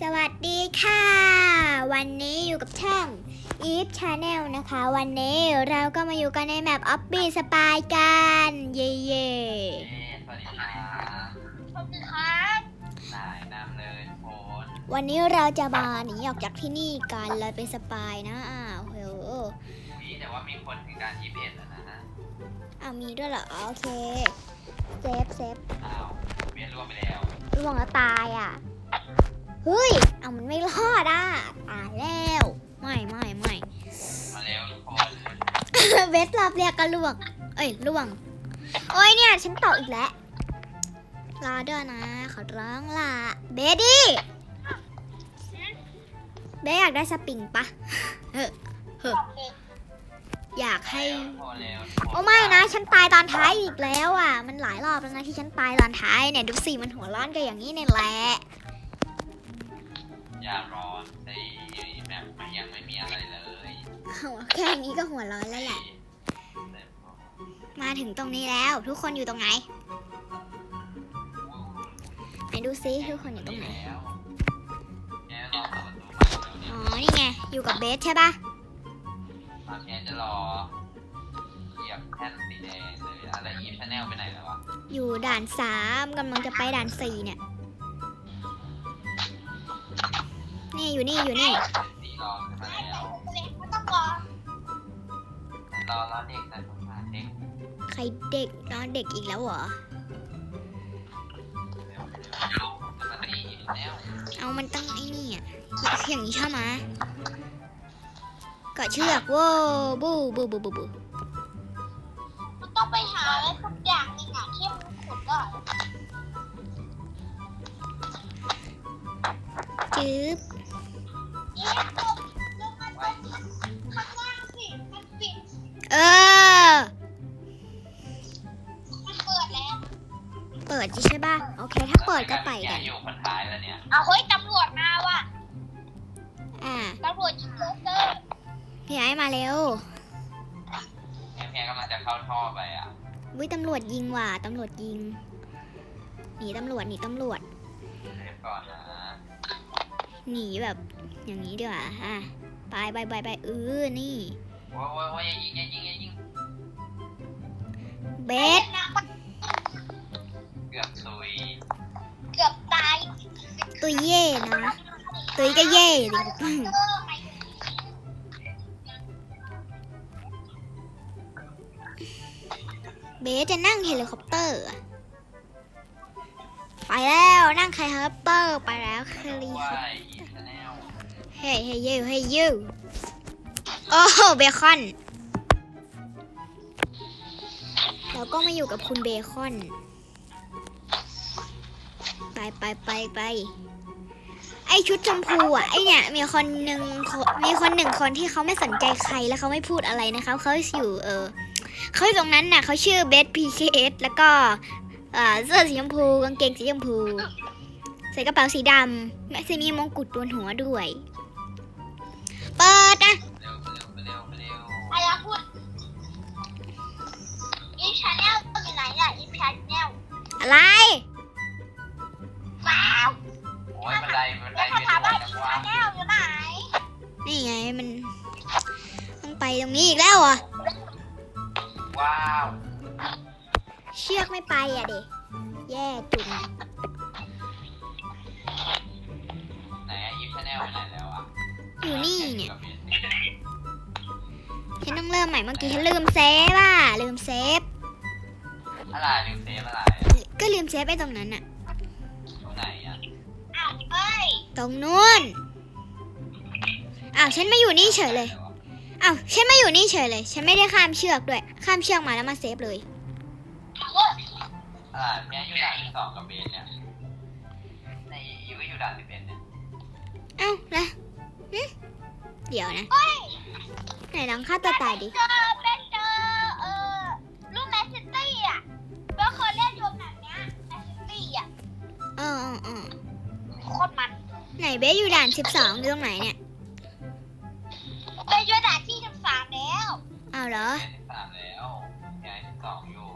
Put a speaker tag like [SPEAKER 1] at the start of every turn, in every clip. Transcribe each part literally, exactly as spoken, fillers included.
[SPEAKER 1] สวัสดีค่ะวันนี้อยู่กับช่อง Eve Channel นะคะวันนี้เราก็มาอยู่กันในแมป Obby Spy กันเย่เย่
[SPEAKER 2] สวัสดีครับ
[SPEAKER 3] สวัสดีครับ
[SPEAKER 2] นายนำเลยโฟน
[SPEAKER 1] วันนี้เราจะมาหนีออกจากที่นี่กันเราเป็นสปายนะอ้าวโห
[SPEAKER 2] มีแต่ว่ามีคนถึงการยี่สิบเอ็ดแล้วนะฮะ
[SPEAKER 1] อ้าวมีด้วยเหรอโอเคเซฟเซฟ
[SPEAKER 2] อ้าวเวียนรวมไปแล้ว
[SPEAKER 1] ร่วงแล้วตายอ่ะเฮ้ยเอามันไม่รอดอ่ะตายแล้วไม่ไม่ไม่
[SPEAKER 2] มาเร็วทุกคน
[SPEAKER 1] เวทรอบเรียกก็ล่วงเอ้ยล่วงโอ้ยเนี่ยฉันตกอีกแล้วรอด้วยนะขอร้องล่ะเบดี้เบสอยากได้สปริงปะเฮ้อเฮ้ออยากให้โอ้ไม่นะฉันตายตอนท้ายอีกแล้วอ่ะมันหลายรอบแล้วนะที่ฉันตายตอนท้ายเนี่ยดูสิมันหัวร้อนกันอย่างนี้เนี่ยแหละ
[SPEAKER 2] อย่ารอในแบบมันยังไม่มีอะไรเลย
[SPEAKER 1] แค่นี้ก็หัวร้อนแล้วแหละมาถึงตรงนี้แล้วทุกคนอยู่ตรงไหนไหนดูซิทุกคนอยู่ตรงไหนอ๋อนี่ไงอยู่กับเบสใช่ปะ
[SPEAKER 2] ตอนนี้จะรอเหยียบแท่นสีแดงเลยนะแล้วอีฟชาแนลไปไหนแล้ววะ
[SPEAKER 1] อยู่ด่านสามกำลังจะไปด่านสี่เนี่ยนี่อยู่นี่อยู่นี่
[SPEAKER 2] สีรอขึ้นมาแล้ว
[SPEAKER 3] ไม่ต้องรอ
[SPEAKER 2] รอรอเด็กนะสงสารเด็ก
[SPEAKER 1] ใครเด็กน้องเด็กอีกแล้วเหรอเอามันตั้งไอ้นี่อ่ะอย่างนี้ชอบไหมเกาะเชือกว้าวบูบูบูบูบู
[SPEAKER 3] มันต้องไปหาอะไรสักอย่างนึงอ่ะที่มันขุดได้
[SPEAKER 1] จื๊บ
[SPEAKER 3] นี่ตกลงมาตรงข้างล่างสิมันปิด
[SPEAKER 1] เออ
[SPEAKER 3] มันเปิดแล้ว
[SPEAKER 1] เปิดใช่ป่ะโอเคถ้าเปิดก็ไปกัน
[SPEAKER 2] อยู่คนท้ายแล้วเนี่ย
[SPEAKER 3] เอาเฮ้ยตำรวจมาว่ะ
[SPEAKER 1] อ่า
[SPEAKER 3] ตำรวจยิงเลเซอร์
[SPEAKER 1] พี่ไอ้มาเร็ว
[SPEAKER 2] แม่แม่กำลังจะเข้าท่อไปอ่ะ
[SPEAKER 1] วิตำรวจยิงว่ะตำรวจยิงหนีตำรวจหนีตำรวจ
[SPEAKER 2] เซฟก่อนนะ
[SPEAKER 1] หนีแบบอย่างนี้ดีกว่าฮะไปไปไปไปเออนี่
[SPEAKER 2] ว้าวว้าวอย่ายิงอย่ายิงอย่ายิง
[SPEAKER 1] เบส
[SPEAKER 2] เกือบซุย
[SPEAKER 3] เกือบตาย
[SPEAKER 1] ตัวเย่นะตัวก็เย่ดิเบสจะนั่งเฮลิคอปเตอร์ไปแล้วนั่งเฮลิคอปเตอร์ไปแล้วเฮลิคอปเตอร์เฮ้ยเฮ้ยยูเฮ้ยยูโอ้เบคอนแล้วก็มาอยู่กับคุณเบคอนไปไปไปไปไอชุดชมพูอ่ะไอเนี่ยมีคนหนึ่งมีคนหนึ่งคนที่เขาไม่สนใจใครแล้วเขาไม่พูดอะไรนะคะเขาอยู่เออเขาอยู่ตรงนั้นน่ะเขาชื่อเบสพีเคเอสแล้วก็เสื้อสีชมพูกางเกงสีชมพูใส่กระเป๋าสีดำแม่ซีมีมงกุฎบนหัวด้วยเปิดนะ
[SPEAKER 3] ไอ้ยาพูดอีชาแนลอยู่ไหนอ่ะอีชาแนล
[SPEAKER 1] อะไร
[SPEAKER 3] ว้าว
[SPEAKER 2] โอ้ยบันไดบันได
[SPEAKER 3] เป็นอะไรนะวะชาแนลอยู่ไหน
[SPEAKER 1] นี่ไงมันต้องไปตรงนี้อีกแล้วอ่ะ
[SPEAKER 2] ว้าว
[SPEAKER 1] เชือกไม่ไปอ่ะเด็กแย่จุง
[SPEAKER 2] ไหนอีฟชาแนลไปไหนแล้วอ่ะ
[SPEAKER 1] อยู่นี่เนี่ยฉันต้องเริ่มใหม่เมื่อกี้ฉันลืมเซฟอ่ะลืมเซฟ
[SPEAKER 2] อะไรลืมเซฟอะไร
[SPEAKER 1] ก็ลืมเซฟไปตรงนั้นอ่ะ
[SPEAKER 2] ตรงไหนอ่ะ
[SPEAKER 3] อ้าวเอ้ย
[SPEAKER 1] ตรงนู้นอ้าวฉันไม่อยู่นี่เฉยเลยอ้าวฉันไม่อยู่นี่เฉยเลยฉันไม่ได้ข้ามเชือกด้วยข้ามเชือกมาแล้วมาเซฟเลย
[SPEAKER 2] อ่าแม่อยู่ด่านที่สองกับเบนเนี่ยในยูก็อยู่ด่านที่เป็นเนี่ย
[SPEAKER 1] เอ้านะเดี๋ยวนะไหนลองฆ่าตัวตายดิ
[SPEAKER 3] เจอเป็นเจอเออลูกแมนซิตี้อ่ะเมื่อเคยเล่นรวมแบบเนี้ยแมนซิตี้อ่ะ
[SPEAKER 1] เออเออเออ
[SPEAKER 3] โคตรมัน
[SPEAKER 1] ไหนเบสอยู่ด่านสิบสองอยู่ตรงไหนเนี่ย
[SPEAKER 3] ไปอยู่ด่านที่สิบสามแล้ว
[SPEAKER 1] อ้าวเหรอ
[SPEAKER 2] สิบสามแล้วย้ายสิบสองอยู่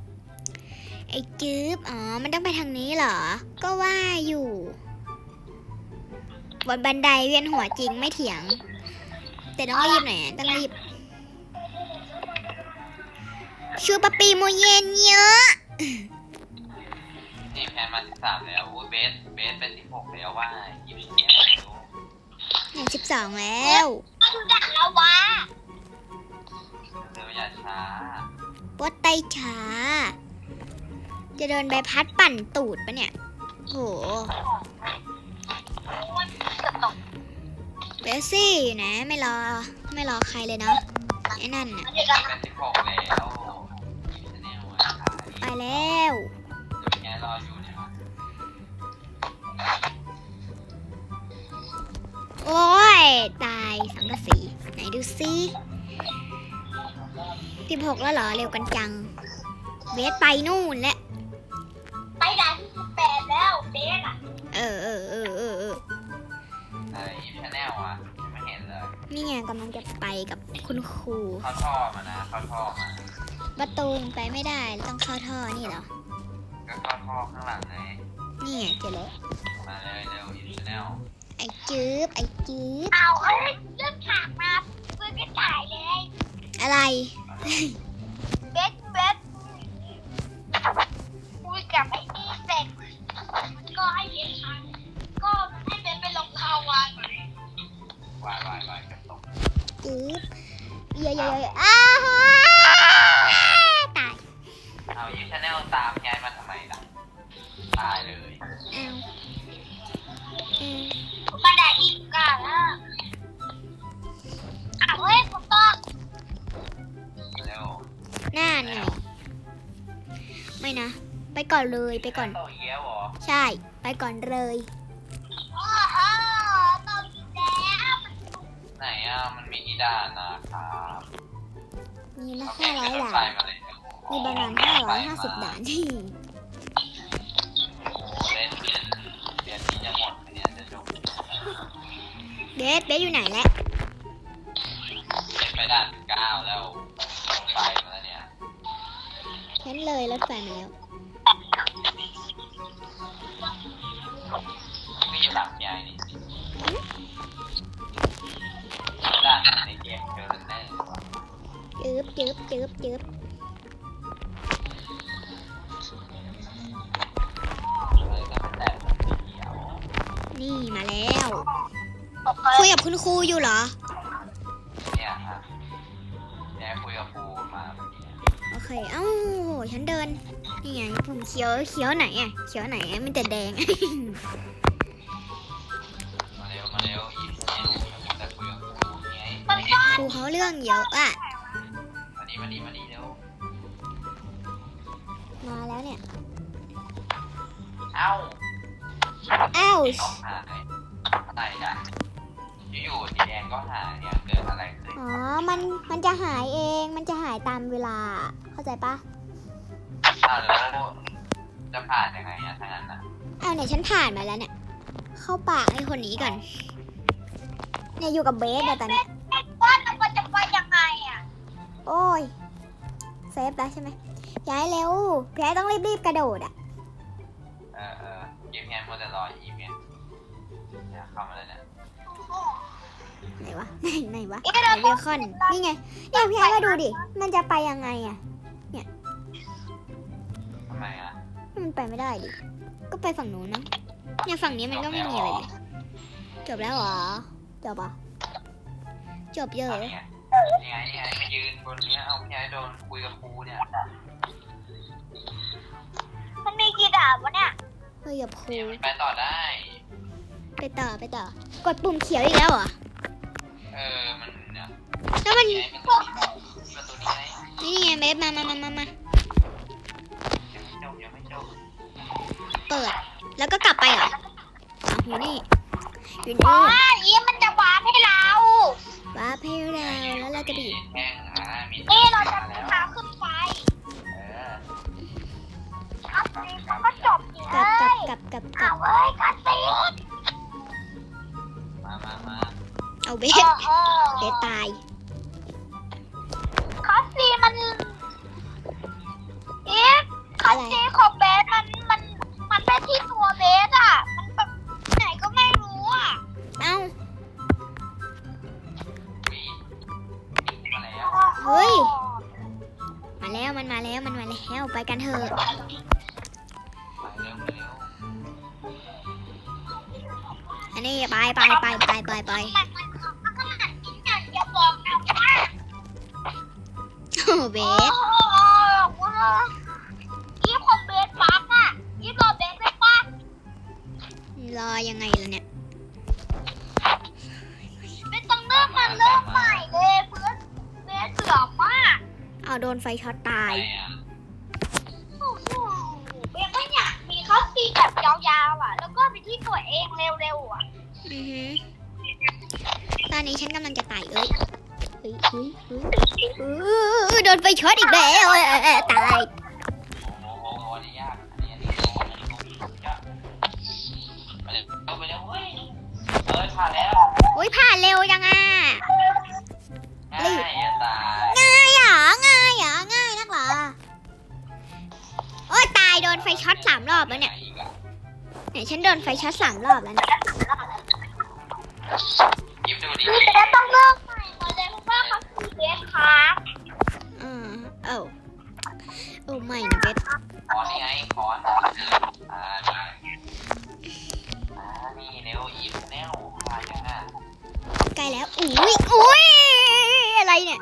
[SPEAKER 1] ไอ้จื๊บอ๋อมันต้องไปทางนี้เหรอก็ว่าอยู่บนบันไดเวียนหัวจริงไม่เถียง แต่ต้องรีบหน่อยอะต้องรีบ ชูปะปีโมเย็นเยอะ
[SPEAKER 2] นี่แพนมาสิบสามแล้วโอ้ยเบสเบสเป็นสิบหกแล้วว่ายิบแย่ดู
[SPEAKER 1] เนี่ยสิบสองแล้ว
[SPEAKER 3] ดูด่าแล้ววะ
[SPEAKER 2] เร็วอย่าช้า
[SPEAKER 1] ว่าไตช้า จะโดนใบพัดปั่นตูดปะเนี่ย โห
[SPEAKER 3] เกือบตก
[SPEAKER 1] เบสซี่อยู่นะ ไม่รอ ไม่รอใครเลยเนาะไอ้นั่นน่ะ
[SPEAKER 3] มันจะกัน
[SPEAKER 2] เป็นสิบหกแล้วยิบแนวอ่ะ
[SPEAKER 1] ไปแล้ว
[SPEAKER 2] เดี๋ยวแกรออยู่เนี่ย
[SPEAKER 1] โอ้ย ตายสังกะสี ไหนดูซิสิบหกแล้วเหรอ เร็วกันจัง เบสไปนู่นแล้ว
[SPEAKER 3] ไปด่านที่สิบแปดแล้วเบสอ่ะ
[SPEAKER 1] เออเออเออเออเออ
[SPEAKER 2] เออยิบแนลอ่ะไม่เห็นเลย
[SPEAKER 1] นี่ไงกำลังจะไปกับคุณครู
[SPEAKER 2] เข้าท่อมานะเข้าท่อมา
[SPEAKER 1] ประตูไปไม่ได้ต้องเข้าท่อนี่เหรอ
[SPEAKER 2] ก็เข้าท่อข้างหลังไง
[SPEAKER 1] นี่ไงเจอแล้ว
[SPEAKER 2] มาเลยเร็วยิบแนล
[SPEAKER 1] ไอ้จื๊บไอ้จื๊บ
[SPEAKER 3] เอาเฮ้ยเลือกฉากมาเพื่อนก็ถ่ายเลย
[SPEAKER 1] อะไร
[SPEAKER 3] เบสเบสคุยกับไอ้นี่เสร็จมันก็ให้เบสทำก็มันให้เบสไปลงคาวาน
[SPEAKER 2] วายวายวายกับตก
[SPEAKER 1] จื๊บเยอะเยอะเยอะอ้าฮะตาย
[SPEAKER 2] เอายิบแนลตามย้ายมาทำไมล่ะตายเลย
[SPEAKER 1] เอาอืม
[SPEAKER 3] บันไดอีกอ่ะอ้าวเฮ้ยผมต้อง
[SPEAKER 2] เร็ว
[SPEAKER 1] หน้าหน่อยไม่นะ ไปก่อนเลยไปก่อน
[SPEAKER 2] ต่อเยี่ยวเหรอ
[SPEAKER 1] ใช่ ไปก่อนเลย
[SPEAKER 3] โอ้โหต้องอีกแล้ว
[SPEAKER 2] ไหนอ่ะมันมีที่ด่านนะครับ
[SPEAKER 1] มีละ
[SPEAKER 2] เอ
[SPEAKER 1] ห้าร้อย
[SPEAKER 2] รถ
[SPEAKER 1] ด่า
[SPEAKER 2] ไฟ
[SPEAKER 1] น
[SPEAKER 2] มาเลย
[SPEAKER 1] มีประมาณห้าร้อยห้าสิบด่านที่
[SPEAKER 2] โอ้เล่นเรียนเรียนที่จะหมดอันเนี้ยจะจบ
[SPEAKER 1] เบสเบสอยู่ไหนแล้ว
[SPEAKER 2] เล่นไปด่านเก้าแล้วรถไฟมาแล้วเนี่ย
[SPEAKER 1] เห็นเลยรถไฟมาแล้ว
[SPEAKER 2] ไม่อยู่หลังยายนี่ด่านในเกมเจอร์เนอร์
[SPEAKER 1] จื๊บจื๊บจื๊บจื๊บ
[SPEAKER 2] เลยก็เป็นแบบสีเขียว
[SPEAKER 1] นี่มาแล้วคุยกับคุณครูอยู่เหรอ
[SPEAKER 2] เนี่ยฮะแกคุยกับครูมาเมื่อกี้
[SPEAKER 1] โอเค เอ้าฉันเดิน นี่ไงผมเขียวเขียวไหนอ่ะ เขียวไหนอะมันแต่แดง
[SPEAKER 2] มาเร็วมาเร็วอีกเนี่ยแต่คุยกับครูไง
[SPEAKER 3] มันก็
[SPEAKER 1] ครูเขาเรื่องเยอะอ่ะ
[SPEAKER 2] มานี่มานี่มานี่เร็ว
[SPEAKER 1] มาแล้วเนี่ย
[SPEAKER 2] เอ้า
[SPEAKER 1] อ้าว
[SPEAKER 2] เขาหายอะไรอ่ะอยู่ๆสีแดงก็หายเนี่ยเกิดอะไรขึ้น
[SPEAKER 1] อ๋อ มัน มันจะหายเอง มันจะหายตามเวลา เข้าใจปะ
[SPEAKER 2] อ้าวแล้วจะผ่านยังไงอะถ้างั้นอะ
[SPEAKER 1] อ้าวเนี่ยฉันผ่านมาแล้วเนี่ย เข้าปากไอ้คนนี้ก่อน เนี่ยอยู่กับเบสเนี่ยตอนเนี้ย
[SPEAKER 3] ไอ้ก้อนมันจะไปยังไงอ่ะ
[SPEAKER 1] โอ้ย เซฟแล้วใช่ไหมย้ายเร็วพี่ไอ้ต้องรีบๆกระโดดอ่ะ
[SPEAKER 2] เออเออยิ้มแย้มมัวแต่รออีเมลเนี่ยเข้ามาเลยเนี่ย
[SPEAKER 1] ไหนวะ ไหนไหนวะไหนเบคอน นี่ไง เนี่ยพี่ไอ้ก็ดูดิ มันจะไปยังไงอ่ะ
[SPEAKER 2] ทำไมอะ
[SPEAKER 1] มันไปไม่ได้ดิ ก็ไปฝั่งนู้นนะเนี่ยฝั่งนี้มันก็ไม่มีอะไรเลย จบแล้วเหรอ จบอ่ะจบเยอะ
[SPEAKER 2] เอานี่ไงนี่ไงนี่ไงมายืนบนเนี้ยเอาพี่ไอ้โดนคุยกับครูเนี่ย
[SPEAKER 3] มันมีกี่ดาบวะเนี่ย
[SPEAKER 1] เฮ้ยอย่าพู
[SPEAKER 2] เนี่ยมันไปต่อได้
[SPEAKER 1] ไปต่อไปต่อ กดปุ่มเขียวอีกแล้วเหรอ
[SPEAKER 2] เออมันเนี่ย
[SPEAKER 1] แล้วมัน
[SPEAKER 2] นี่ไงเป็นตัวนี้เป็นตัวนี้ไง
[SPEAKER 1] นี่ไงเบสมามามามามา
[SPEAKER 2] ยังไม่จบยังไม่จบ
[SPEAKER 1] เปิด แล้วก็กลับไปเหรออ๋ออยู่นี่ อยู่
[SPEAKER 3] อ๋อ
[SPEAKER 1] นี่
[SPEAKER 3] ยิ้มมันจะวาร์ปให้เรา
[SPEAKER 1] ว้าเพลเราแล้วเราจะไปอยู่
[SPEAKER 2] แห้งอ่ะมี
[SPEAKER 3] นี่เราจะ
[SPEAKER 2] แล้ว
[SPEAKER 3] พาขึ้นไป
[SPEAKER 2] เออ
[SPEAKER 3] คัสซีนมันก็จบเล
[SPEAKER 1] กลับกลับ
[SPEAKER 3] ย
[SPEAKER 1] กลับกลับก
[SPEAKER 3] เอา
[SPEAKER 1] ลับ
[SPEAKER 3] เว้ยคัสซีน
[SPEAKER 2] มามามา
[SPEAKER 1] เอาเบ
[SPEAKER 3] โอ้
[SPEAKER 1] ส
[SPEAKER 3] โห
[SPEAKER 1] เบสตาย
[SPEAKER 3] คัสซีนมันอีฟคัสซีนของเบสมันมันมันไม่ที่ตัวเบสอ่ะ มันแบบไหนก็ไม่รู้อ่ะ
[SPEAKER 1] เอ้าอันนี้ไปไปไปไปไปไป
[SPEAKER 3] มันมันมันขนาดนี้เนี่ยอย่าบอกนะว่า
[SPEAKER 1] โอ้เบ
[SPEAKER 3] โอ้
[SPEAKER 1] ส
[SPEAKER 3] โหอีฟของเบสบักอ่ะอีฟรอเบสได้ปะ
[SPEAKER 1] รอยังไงล่ะเนี่ย
[SPEAKER 3] ไม่ต้องเริ่มมันเริ่มใหม่เลยเพื่อนเบสเสือมาก
[SPEAKER 1] เอาโดนไฟช็อตตาย
[SPEAKER 2] ไปอ่ะ
[SPEAKER 3] โอ้โหเบสไม่อยากมีคัสซีนแบบยาวๆอ่ะ แล้วก็ไปที่ตัวเองเร็วๆอ่ะ
[SPEAKER 1] อือฮึตอนนี้ฉันกำลังจะตายเอ้ยเฮ้ยเฮ้ยเฮ้ยเออโดนไฟช็อตอีกแล้วเออเออตาย
[SPEAKER 2] โอ้โหอันนี้ยากอันนี้อันนี้โอ้อันนี้โอ้ยากไปเลยเอาไปเลยเฮ้ยเอ้ยผ่านแล้ว
[SPEAKER 1] โอ้ยผ่านเร็วจังอ่ะ
[SPEAKER 2] ง่ายจะตาย
[SPEAKER 1] ง่ายเหรอง่ายเหรอง่ายนักเหรอโอ้ยตายโดนไฟช็อตสามรอบแล้วเนี่ยเนี่ยฉันโดนไฟช็อตสามรอบแล้วเนี่ย
[SPEAKER 2] ยิ้มดูดิ
[SPEAKER 3] เบสต้องเริ่มใหม่หมดเลยเพราะว่าคัสซีนเบสครับ
[SPEAKER 1] อ่าเอ้าโอ้ไม่นะเบส
[SPEAKER 2] คอนนี่ไงคอนอ่านี่อ่านี่เร็วอีฟแนวมายังอ่ะ
[SPEAKER 1] ใกล้แล้วอุ้ยอุ้ยอะไรเนี่ย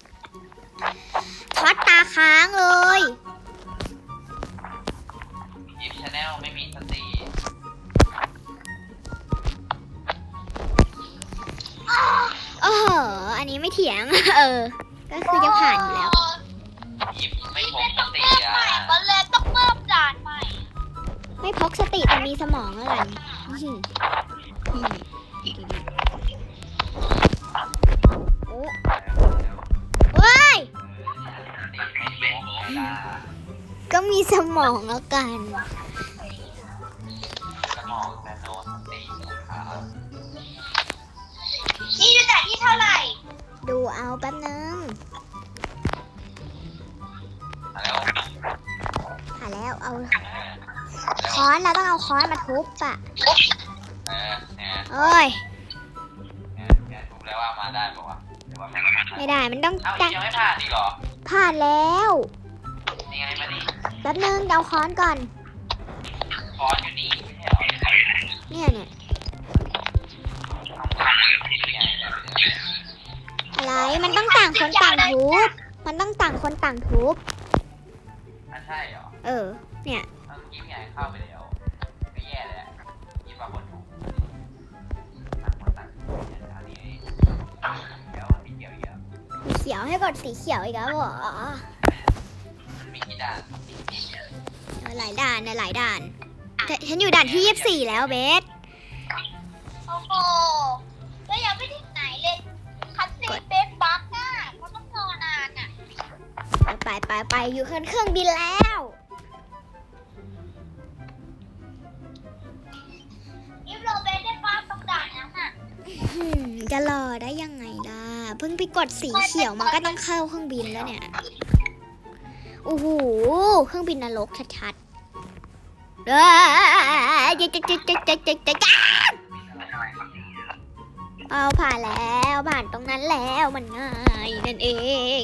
[SPEAKER 1] ช็อตตาค้างเลย
[SPEAKER 2] อีฟชาแนลไม่มีสติ
[SPEAKER 1] โอ้โหอันนี้ไม่เถียง เออ ก็คือจะผ่านอยู่แล้ว
[SPEAKER 2] อีฟไม่
[SPEAKER 3] อี
[SPEAKER 2] พ
[SPEAKER 3] เบ
[SPEAKER 2] ก
[SPEAKER 3] ส
[SPEAKER 2] ส
[SPEAKER 3] ต้อง
[SPEAKER 2] ติ
[SPEAKER 3] เริ่ม
[SPEAKER 2] อ่ะ
[SPEAKER 3] ใหม่ก็เลยต้องเริ่มด่านใหม่
[SPEAKER 1] ไม่พกสติแต่มีสมองอะไรอื้อหืออืมโอ้เว้ย
[SPEAKER 2] สติไม่พกจ้า
[SPEAKER 1] ก็มีสมองแล้วกัน
[SPEAKER 2] สมองแต่โนสตินะครับ
[SPEAKER 3] นี่อยู่ด่านที่เท่าไหร่
[SPEAKER 1] ดูเอาแป๊บนึง
[SPEAKER 2] มาแล้ว
[SPEAKER 1] ผ่านแล้วเอา
[SPEAKER 2] เออ
[SPEAKER 1] ค้อนเราต้องเอาค้อนมาทุบอ่ะ
[SPEAKER 2] เออเนี่ย
[SPEAKER 1] โอ้ย
[SPEAKER 2] เนี่ยเนี่ยรู้แล้วว่ามาได้บอกว่าหรือว่าไม่มา
[SPEAKER 1] ไม่ได้มันต้อง
[SPEAKER 2] เอ้า
[SPEAKER 1] จั
[SPEAKER 2] ยังไม่ผ่านอีกเหรอ
[SPEAKER 1] ผ่านแล้ว
[SPEAKER 2] นี่ไงมาดิ
[SPEAKER 1] แป๊บนึงเอาค้อนก่อน
[SPEAKER 2] คอนอยู่นี่ไม่ใช่เหรอ
[SPEAKER 1] เนี่ยเนี่ย
[SPEAKER 2] ทำทำนี่ไงแบบนี้
[SPEAKER 1] อะไรมันต้องต่างคนต่างทุบมันต้องต่างคนต่างทุบ
[SPEAKER 2] อ่ะใช่เหรอ
[SPEAKER 1] เออ เนี่ย
[SPEAKER 2] เมื่อกี้พี่ไงเข้าไปแล้วก็แย่เลยอะยี่ปะคนถูกต่างคนต่างเนี่ยอันนี้เดี๋ยวมีเกี่ยวเยอะ
[SPEAKER 1] สีเขียวให้กดสีเขียวอีกแล้วเหรอ
[SPEAKER 2] มันมีกี่ด่าน
[SPEAKER 1] เออหลายด่านนะหลายด่านแต่ฉันอยู่ด่านที่ยี่สิบสี่แล้วเบส
[SPEAKER 3] โอ้โหแล้วยังไม่ถึงไหนเลยคัสซีนเบสบักอ่ะเขาต้องรอนานอ่ะ
[SPEAKER 1] ไปไปไปอยู่ขึ้นเครื่องบินแล้ว
[SPEAKER 3] อีฟโรเบสได้ป้าต้องด่านนั้นอ่ะ
[SPEAKER 1] อืมจะรอได้ยังไงล่ะเพิ่งไปกดสีเขียวมาก็ต้องเข้าเครื่องบินแล้วเนี่ยโอ้โหเครื่องบินนรกชัดๆเอ้ยจ๊ะจ๊ะจ๊ะจ๊ะจ๊ะจ๊ะจ๊ะเอาผ่านแล้วผ่านตรงนั้นแล้วมันง่ายนั่นเอง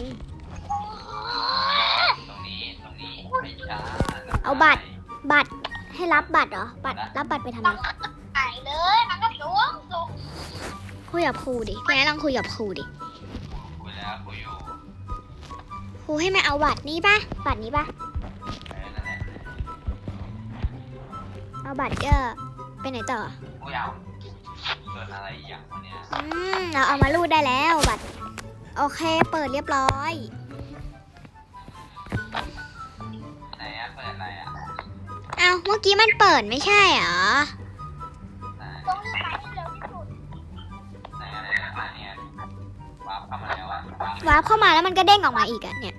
[SPEAKER 2] ตรงนี้ตรงนี้ไม่ใช่
[SPEAKER 1] เอาบัตร บัตรให้รับบัตรเหรอบัตรรับบัตรไปทำไม
[SPEAKER 3] ต้องไหนเลยมันก็สูงสูง
[SPEAKER 1] คุยกับครูดิพี่แอนลองคุยกับครูดิ
[SPEAKER 2] คุยแล้วคุยอยู่
[SPEAKER 1] ครูให้มาเอาบัตรนี้ปะบัตรนี้ปะ
[SPEAKER 2] เออนั่นแหละ
[SPEAKER 1] เอาบัตรก็ไปไหนต่อ
[SPEAKER 2] คุยเอาเกิดอะไรอีกอย่างวะเนี่ย
[SPEAKER 1] อืมเราเอามารูดได้แล้วบัตรโอเคเปิดเรียบร้อย
[SPEAKER 2] ไหนอะเปิดอะไรอะ
[SPEAKER 1] เอาเมื่อกี้มันเปิดไม่ใช่เหรอ
[SPEAKER 2] ไหน
[SPEAKER 3] ต้องรีบไปให้เร็วที่สุด
[SPEAKER 2] ไหนอะไรอะอันเนี้ยวาร์ปเข้ามาแล้วอะ
[SPEAKER 1] วาร์ปเข้ามาแล้วมันก็เด้งออกมาอีกอะเนี่ย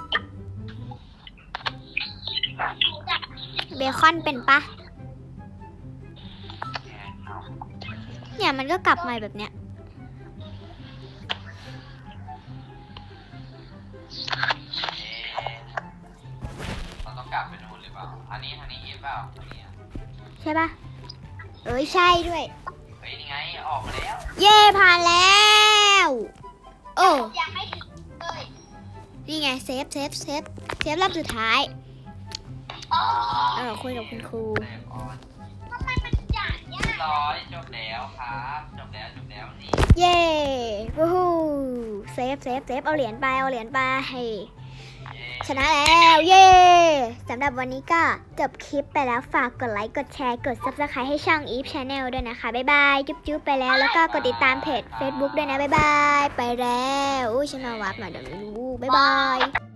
[SPEAKER 1] เบคอนเป็นปะ
[SPEAKER 2] เอา
[SPEAKER 1] เนี่ยมันก็กลับมาแบบเนี้ย
[SPEAKER 2] เอ๊ะเราต้องกลับไปนู่นหรือเปล่าอันนี้ทางนี้อีฟเปล่าอันนี้อะ
[SPEAKER 1] ใช่ปะเอ้ยใช่ด้วย
[SPEAKER 2] เฮ้ยนี่ไงออกมาแล้ว
[SPEAKER 1] เย่ผ่านแล้วโอ้
[SPEAKER 3] ยังไม่ถึงเลย
[SPEAKER 1] นี่ไงเซฟเซฟเซฟเซฟรอบสุดท้าย
[SPEAKER 3] อ๋อ
[SPEAKER 1] เออคุยกับคุณครู
[SPEAKER 2] เตะออน
[SPEAKER 3] ทำไมมันจ่ายยาก
[SPEAKER 2] ร้อยจบแล้วแล้วครับจบแล้วจบแล้วนี่
[SPEAKER 1] เย้วู้ฮู้เซฟเซฟเซฟเอาเหรียญไปเอาเหรียญไปให้
[SPEAKER 2] เย้
[SPEAKER 1] ชนะแล้วเย้สำหรับวันนี้ก็จบคลิปไปแล้วฝากกดไลค์กดแชร์กด ซับสไครบ์ ให้ช่อง อีฟ ชาแนล ด้วยนะคะบ๊ายบายจุ๊บจุ๊บไปแล้วแล้วก็กดติดตามเพจ เฟซบุ๊ก ด้วยนะบ๊ายบายไปแล้วอุ้ยฉันเอาวับมาเดี๋ยวไม่รู้บ๊ายบาย